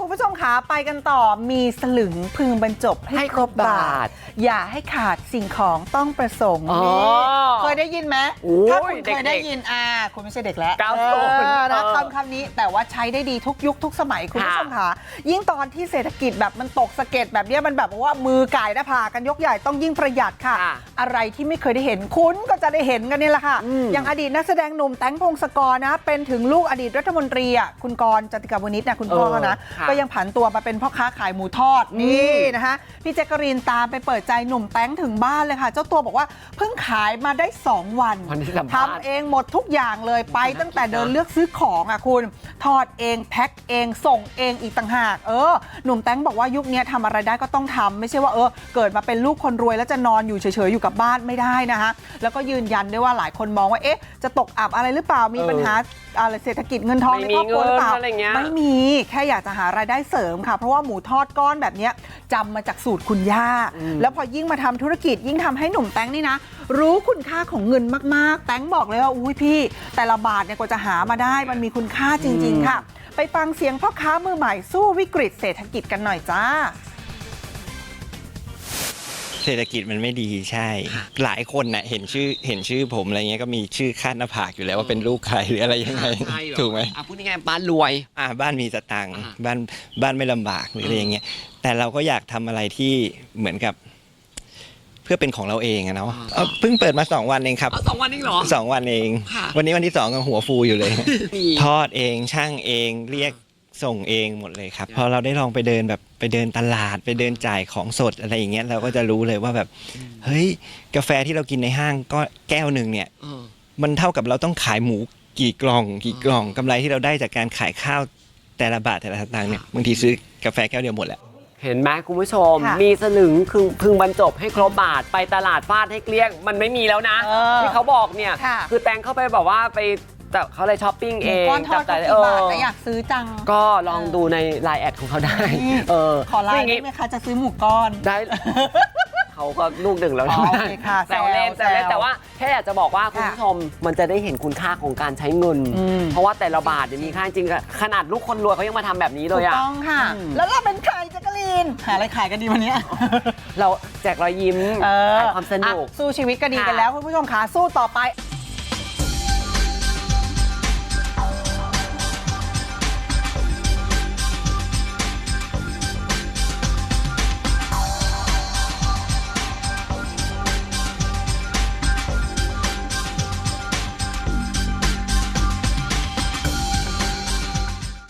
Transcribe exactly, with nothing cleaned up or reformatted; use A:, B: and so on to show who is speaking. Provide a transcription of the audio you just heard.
A: คุณผู้ชมขาไปกันต่อมีสลึงพึงบรรจบให้ครบบาทอย่าให้ขาดสิ่งของต้องประสงค์นี่เคยได้ยินไหมถ้าคุณเคยได้ยินอ่าคุณไม่ใช่เด็กแล้วนะคำคำนี้แต่ว่าใช้ได้ดีทุกยุคทุกสมัยคุณผู้ชมขายิ่งตอนที่เศรษฐกิจแบบมันตกสะเก็ดแบบนี้มันแบบว่ามือไก่หน้าผากกันยกใหญ่ต้องยิ่งประหยัดค่ะอะไรที่ไม่เคยได้เห็นคุณก็จะได้เห็นกันนี่แหละค่ะอย่างอดีตนักแสดงหนุ่มแตงพงศกรนะเป็นถึงลูกอดีตรัฐมนตรีอ่ะคุณกรณ์ จติกาวนิชนะคุณพ่อนะก็ยังผันตัวมาเป็นพ่อค้าขายหมูทอดนี่นะคะพี่แจ๊กกะรีนตามไปเปิดใจหนุ่มแตงถึงบ้านเลยค่ะเจ้าตัวบอกว่าเพิ่งขายมาได้สองวันทำเองหมดทุกอย่างเลยไปตั้งแต่เดินเลือกซื้อของอ่ะคุณทอดเองแพ็คเองส่งเองอีกต่างหากเออหนุ่มแตงบอกว่ายุคนี้ทำอะไรได้ก็ต้องทำไม่ใช่ว่าเออเกิดมาเป็นลูกคนรวยแล้วจะนอนอยู่เฉยๆอยู่กับบ้านไม่ได้นะคะแล้วก็ยืนยันด้วยว่าหลายคนมองว่าเอ๊ะจะตกอับอะไรหรือเปล่ามีปัญหาอะไรเศรษฐกิจเงินทองในครอบครัวหรือเปล่าไม่มีแค่อยากจะหารายได้เสริมค่ะเพราะว่าหมูทอดก้อนแบบนี้จำมาจากสูตรคุณย่าแล้วพอยิ่งมาทำธุรกิจยิ่งทำให้หนุ่มแตงนี่นะรู้คุณค่าของเงินมากๆแตงบอกเลยว่าอุ้ยพี่แต่ละบาทเนี่ยกว่าจะหามาได้มันมีคุณค่าจริงๆค่ะไปฟังเสียงพ่อค้ามือใหม่สู้วิกฤตเศรษฐกิจกันหน่อยจ้า
B: เศรษฐกิจมันไม่ดีใช่หลายคนน่ะเห็นชื่อเห็นชื่อผมอะไรเงี้ยก็มีชื่อคาดหน้าผากอยู่แล้วว่าเป็นลูกใครหรืออะไรยังไงถูกไหม
C: อ่ะพูดง่ายๆบ้านรวย
B: อ่าบ้านมีสตังค์บ้านบ้านไม่ลำบากหรืออะไรอย่างเงี้ยแต่เราก็อยากทำอะไรที่เหมือนกับเพื่อเป็นของเราเองอะเนาะเพิ่งเปิดมาสองวันเองครับ
C: สองวันเองเหรอ
B: สองวันเองวันนี้วันที่สองก็หัวฟูอยู่เลยทอดเองช่างเองเรียกส่งเองหมดเลยครับพอเราได้ลองไปเดินแบบไปเดินตลาดไปเดินจ่ายของสดอะไรอย่างเงี้ยเราก็จะรู้เลยว่าแบบเฮ้ยกาแฟที่เรากินในห้างก็แก้วหนึ่งเนี่ยมันเท่ากับเราต้องขายหมูกี่กล่องกี่กล่องกำไรที่เราได้จากการขายข้าวแต่ละบาทแต่ละสตางค์เนี่ยบางทีซื้อกาแฟแก้วเดียวหมดแหละ
C: เห็นไหมคุณผู้ชมมีสลึงคือพึงบรรจบให้ครบบาทไปตลาดฟาดให้เกลี้ยงมันไม่มีแล้วนะที่เขาบอกเนี่ยคือแตงเข้าไปบอกว่าไปแต่เขาเลยช้อปปิ้งเอง
A: ก้อนทอดก็กี่บาทแต่อยากซื้อจัง
C: ก็ลองดูในไลน์แอดของเขาได้เออ
A: ขอไลน์ได้ไหมคะจะซื้อหมูก้อน
C: ได้เขาก็ลูกหนึ่งแล้วนะแซวเล่นแซวเล่นแต่ว่าแค่อยากจะบอกว่าคุณผู้ชมมันจะได้เห็นคุณค่าของการใช้เงินเพราะว่าแต่ละบาทมีค่าจริงขนาดลูกคนรวยเขายังมาทำแบบนี้เลยอะ
A: ถูกต้องค่ะแล้วเราเป็นใครแจ๊กกะลีนหาอะไรขายกันดีวันนี้
C: เราแจกรอยยิ้มขายความสนุก
A: สู้ชีวิตก็ดีกันแล้วคุณผู้ชมค่ะสู้ต่อไป